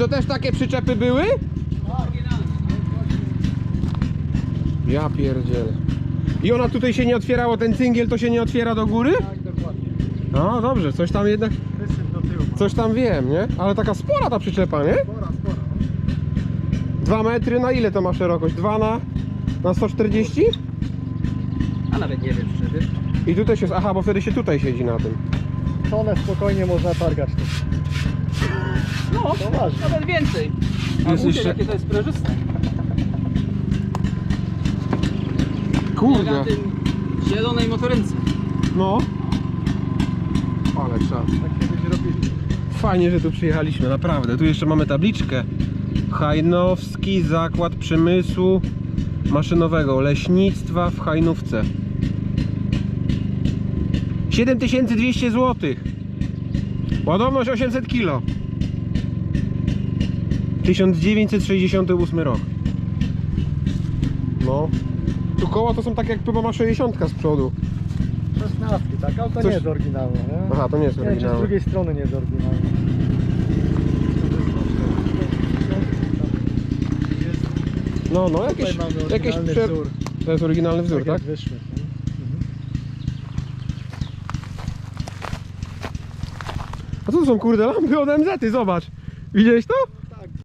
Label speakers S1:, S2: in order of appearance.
S1: też takie przyczepy były? Ja pierdzielę. I ona tutaj się nie otwierało, ten cyngiel to się nie otwiera do góry?
S2: Tak, dokładnie.
S1: No dobrze, coś tam jednak,
S2: Wysyp do tyłu.
S1: coś tam wiem, nie? Ale taka spora ta przyczepa, nie?
S2: Spora.
S1: 2 metry, na ile to ma szerokość? 2 na 140?
S3: A nawet nie wiem, czy wiesz.
S1: I tutaj się, aha, bo wtedy się tutaj siedzi na tym.
S2: Tonę spokojnie można targać tu.
S3: No,
S2: To ważne.
S3: nawet więcej. A
S1: Jest
S3: jest
S1: jeszcze-
S3: jakie to jest sprężyste.
S1: Kurde,
S3: Na tym zielonej motorynce.
S1: no. Ale czas.
S2: Tak kiedyś robili.
S1: Fajnie, że tu przyjechaliśmy, naprawdę. Tu jeszcze mamy tabliczkę. Hajnowski Zakład Przemysłu Maszynowego Leśnictwa w Hajnówce. 7200 zł. Ładowność 800 kg. 1968 rok. No. Tu koła to są tak jak chyba ma 60 z przodu.
S2: 16, tak? Ale to
S1: Coś-
S2: nie jest oryginalne, nie?
S1: Aha, to nie jest
S2: Nie wiem, czy z
S1: oryginalne.
S2: drugiej strony nie jest oryginalne.
S1: No,
S2: Tutaj
S1: jakieś,
S2: mamy
S1: jakieś
S2: oryginalny wzór.
S1: To jest oryginalny wzór, tak?
S2: Jak wyszły. nie?
S1: A co to są kurde lampy od MZ-y, zobacz. Widziałeś to?